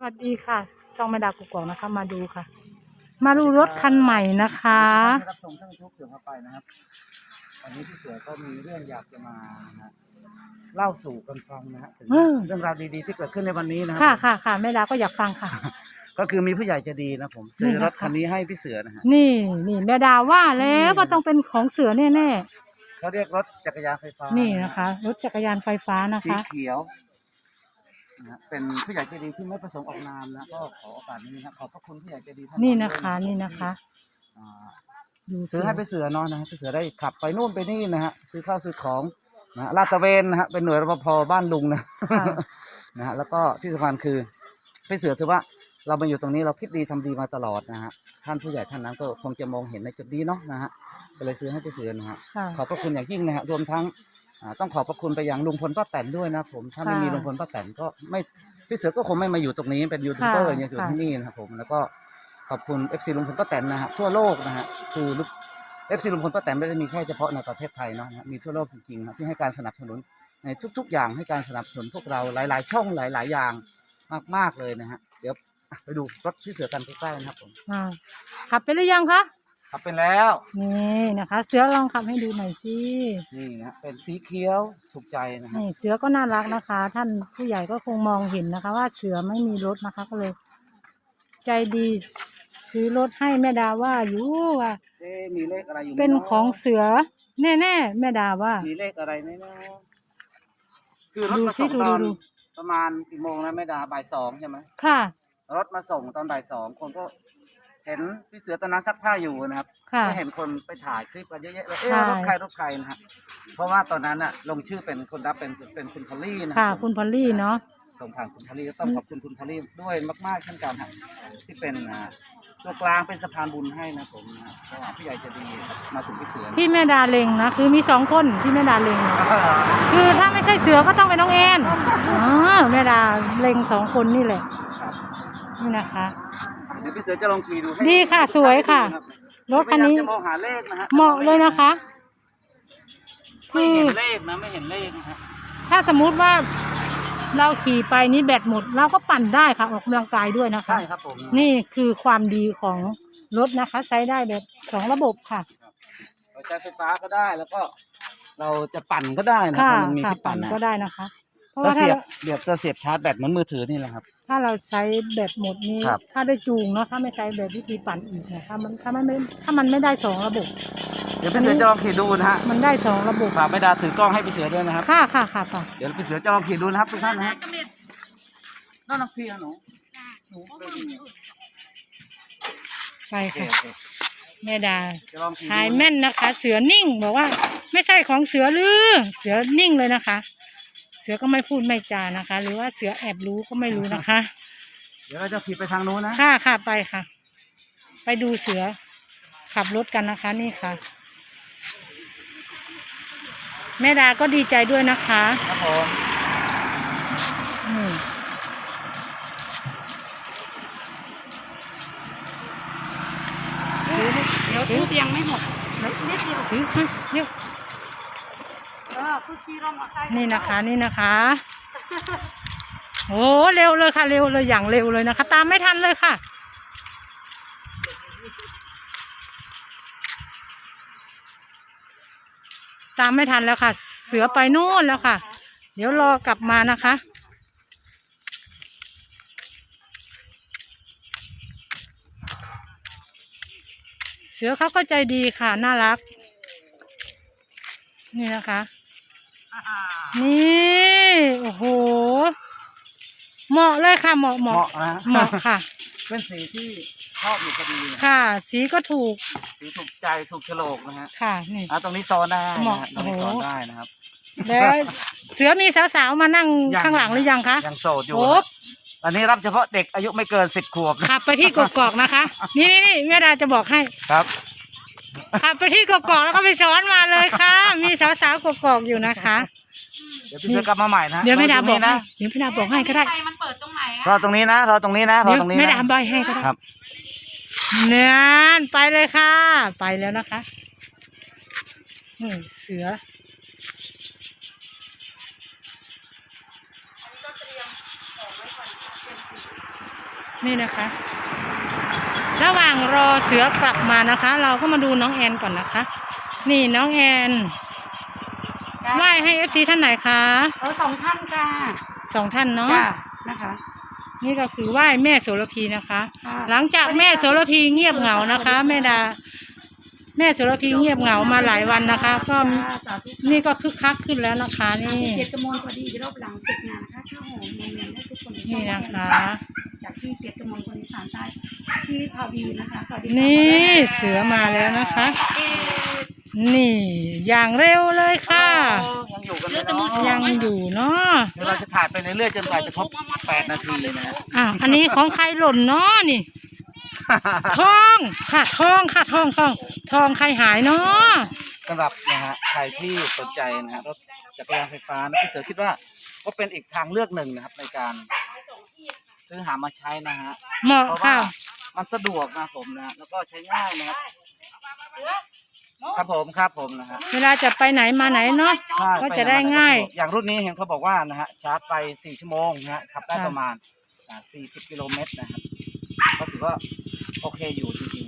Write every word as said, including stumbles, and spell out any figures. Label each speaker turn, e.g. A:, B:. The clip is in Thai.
A: วัสดีค่ะช่องแม่ดากุกกอกนะคะมาดูค่ะ มาดูรถคันใหม่นะคะ
B: รับส่งท่านทุกเสือเข้าไปนะครับวันนี้พี่เสือก็มีเรื่องอยากจะมานะเล่าสู่กันฟังนะฮะถึงเรื่องราวดีๆที่เกิดขึ้นในวันนี้นะ
A: ค่ะค่ะค่ะแม่ดาก็อยากฟังค่ะ
B: ก็คือมีผู้ใหญ่ใจดีนะผมซื้อรถคันนี้ให้พี่เสือนะฮะ
A: นี่นี่แม่ดาว่าแล้วว่าต้องเป็นของเสือแน่
B: ๆเขาเรียกรถจักรยานไฟฟ้า
A: นี่นะคะรถจักรยานไฟฟ้านะคะ
B: สีเขียวนะเป็นผู้ใหญ่ใจดีที่ไม่ประสงค์ออกนามนะก็ขอโอกาสนี้นะขอบพระคุณผู้ใหญ่ใจดีท่าน
A: นี่นะคะนี่นะคะ
B: ซื้อให้พี่เสือนอนนะฮะพี่เสือได้ขับไปนู่นไปนี่นะฮะซื้อข้าวซื้อของนะลาดตระเวนนะฮะเป็นหน่วยรปภบ้านลุงนะนะฮะแล้วก็ที่สำคัญคือพี่เสือถือว่าเรามาอยู่ตรงนี้เราคิดดีทำดีมาตลอดนะฮะท่านผู้ใหญ่ท่านนั้นก็คงจะมองเห็นในจุดนี้เนาะนะฮะก็เลยซื้อให้พี่เสือนะฮะขอบพระคุณอย่างยิ่งนะฮะรวมทั้งต้องขอบพระคุณไปยังลุงพลป้าแตนด้วยนะผมถ้าไม่มีลุงพลป้าแตนก็ไม่พี่เสือก็คงไม่มาอยู่ตรงนี้เป็นยูทูบเบอร์อยู่ที่นี่นะครับผมแล้วก็ขอบคุณเอฟซีลุงพลป้าแตนนะฮะทั่วโลกนะฮะคือเอฟซีลุงพลป้าแตนไม่ได้มีแค่เฉพาะในประเทศไทยเนาะมีทั่วโลกจริงๆนะที่ให้การสนับสนุนในทุกๆอย่างให้การสนับสนุนพวกเราหลายๆช่องหลายๆอย่างมากๆเลยนะฮะเดี๋ยวไปดูรถพี่เสือกันใกล้ๆนะครับผม
A: ขับไปหรือยังคะ
B: ขับไปแล้ว
A: นี่นะคะเสือลองขับให้ดูหน่อยสิ
B: นี่นะเป็นสีเขียวถูกใจนะ
A: นี่เสือก็น่ารักนะคะ ท่านผู้ใหญ่ก็คงมองเห็นนะคะ ว่าเสือไม่มีรถนะคะก็เลยใจดีซื้อรถให้แม่ดาว่าอยู่ว่า
B: มีเลขอะไรอยู่
A: เป็นของเสือแน่ๆแม่ดาว่า
B: มีเลขอะไรไหมนะคือรถมาส่งตอนประมาณกี่โมงนะแม่ดาบ่ายสองใช่ไหม
A: ค่ะ
B: รถมาส่งตอนบ่ายสองคนก็เห็นพี่เสือตอนนั้นซักผ้าอยู่นะครับก็เห็นคนไปถ่ายคลิปกันเยอะๆเลยเอ๊ะรถใครรถใครนะฮะเพราะว่าตอนนั้นอะลงชื่อเป็นคนรับเป็นเป็นคุณพอลลี่นะ
A: ค่ะคุณพอลลี่เนาะ
B: ส่งผ่านคุณพอลลี่ต้องขอบคุณคุณพอลลี่ด้วยมากๆเช่นกันครับที่เป็นตัวกลางเป็นสะพานบุญให้นะผมนะเพราะว่าพี่ใหญ่จะดีมาถึงพี่เสือ
A: ที่แม่ดาเล็งนะคือมีสองคนที่แม่ดาเล็งคือถ้าไม่ใช่เสือก็ต้องเป็นน้องแอนอ๋อแม่ดาเล็งสองคนนี่แหละนี่นะคะ
B: เดี๋ยวพี่เสือจะลองขี่ดู
A: ดีค่ะสวยค่ะรถคันนี้เหมาะเลยนะคะ
B: ไม่เห็นเลขนะไม่เห็นเลขนะ
A: ถ้าสมมุติว่าเราขี่ไปนี้แบตหมดเราก็ปั่นได้ค่ะออกกำลังกายด้วยนะคะ
B: ใช่ครับผม
A: นี่คือความดีของรถนะคะใช้ได้แบบสองระบบค่ะ
B: เราใช้ไฟฟ้าก็ได้แล้วก็เราจะปั่นก็ได้นะมันมีที่ปั่น
A: ก็ได้นะคะ
B: เพราะว่าเสียบเดี๋ยวจะเสียบชาร์จแบตเหมือนมือถือนี่แหละครับ
A: ถ้าเราใช้แบตหมดนี้ถ้าได้จูงเนาะถ้าไม่ใช้แบบวิธีปั่นอีกนะถ้ามันถ้ามันไม่ถ้ามันไม่ได้สองระบบ
B: เดี๋ยวพี่เสือจะลองขี่ดูนะฮะ
A: มันได้สองระบบ
B: ฝากแม่ดาถือกล้องให้พี่เสือด้วยนะครับ
A: ค่ะค่ะค่ะค่ะ
B: เดี๋ยวพี่เสือจะลองขี่ดูนะครับทุกท่านนะฮะน่ารักพี่หนู
A: ไปค่ะแม่ดาถ่ายแม่นนะคะ เสือนิ่งบอกว่าไม่ใช่ของเสือหรือเสือนิ่งเลยนะคะเสือก็ไม่พูดไม่จานะคะ หรือว่าเสือแอบรู้ก็ไม่รู้นะคะ
B: เดี๋ยวเราจะขี่ไปทางโน้นนะ
A: ค่ะค่ะไปค่ะไปดูเสือขับรถกันนะคะนี่ค่ะแม่ดาก็ดีใจด้วยนะคะ
B: ครับผม
A: เดี๋ยวทุบยังไม่หมดนิดเดียวถือเดี๋ยวนี่นะคะนี่นะคะโอ้เร็วเลยค่ะเร็วเลยอย่างเร็วเลยนะคะตามไม่ทันเลยค่ะตามไม่ทันแล้วค่ะเสือไปนู่นแล้วค่ะเดี๋ยวรอกลับมานะคะเสือเขาก็ใจดีค่ะน่ารักนี่นะคะนี่โอ้โหเหมาะเลยค่ะเหมาะเหมาะเหมาะค่ะ
B: เป็นสีที่ชอบอยู่พอดี
A: ค่ะสีก็ถูก
B: สีถูกใจถูกโฉลกนะฮะ
A: ค่ะนี่
B: อ่ะตรงนี้ซ้อนได้เหมาะตรงนี้ซ้อนได้นะครับ
A: แล้วเสือมีสาวๆมานั่งข้างหลังหรือยังคะ
B: ยังโสดอยู่อันนี้รับเฉพาะเด็กอายุไม่เกินสิบขวบ
A: ขับไปที่กกอกนะคะนี่นี่แม่ดาจะบอกให้
B: ครับ
A: ขับไปที่กกอกแล้วก็ไปซ้อนมาเลยค่ะมีสาวๆกกอกอยู่นะคะ
B: เดี๋ยวพี่เสือกลับมาใหม่นะ
A: เดี๋ยวแม่ดาบอกนะเดี๋ยวแม่ดาบอกให้ก็ได้
C: มันเปิดตรงไหน
B: รอตรงนี้นะรอตรงนี้นะรอตรงนี้
A: แม่ดาใบให้ก็ได้ครับเนี่ยไปเลยค่ะไปแล้วนะคะนี่เสือนี่นะคะ ระหว่างรอเสือกลับมานะคะ เราก็มาดูน้องแอนก่อนนะคะ นี่น้องแอนไหว้ให้เอฟซีท่านไหนคะ
C: เออสองท่านค่ะ
A: สองท่านเนาะ
C: จ้านะคะ
A: นี่ก็คือไหว้แม่โสระพีนะคะ
C: ค่ะ
A: หลังจากแม่โสระพีเงียบเหงานะคะแม่ดา แม่โสระพีเงียบเหงามาหลายวันนะคะ ก็
C: สาธุ
A: นี่ก็คึกคักขึ้นแล้วนะคะ นี่
C: เกียรติกมลสวัสดีอีกรอบหลังเสร็จงานนะคะข้าวหอมเนียนๆให้ทุกคนได้ชม
A: นี่นะคะ
C: จากที่เกียรติกมลคนอีสานใต้ที่พาวีนะคะสวัสดี
A: นี่เสือมาแล้วนะคะ นี่อย่างเร็วเลยค่ะ
B: ยังอยู่กันเลยเนาะ
A: ยังอยู่เนาะ
B: เดี๋ยวเราจะถ่ายไปเรื่อยๆจนกว่าจะครบแปดนาทีนะฮะ
A: อ่ะอันนี้ของใครหล่นเนาะนี่ ทองค่ะทองค่ะทองทองทองใครหายเนาะ
B: สำหรับนะฮะใครที่สนใจนะฮะรถจักรยานไฟฟ้านะพี่เสือคิดว่าก็เป็นอีกทางเลือกหนึ่งนะครับในการซื้อหามาใช้นะฮะ
A: เหมาะ
B: เพราะว่า
A: ค่ะ
B: มันสะดวกนะผมนะแล้วก็ใช้ง่ายนะครับครับผมครับผมนะฮะ
A: เวลาจะไปไหนมาไหนเนาะ
B: ใช่
A: ก็จะได้ง่าย
B: อย่างรุ่นนี้เห็นเขาบอกว่านะฮะชาร์จไฟสี่ชั่วโมงนะฮะขับได้
A: ค่ะ
B: ประมาณอ่าสี่สิบกิโลเมตรนะครับก็ถือว่าโอเคอยู่จริงๆ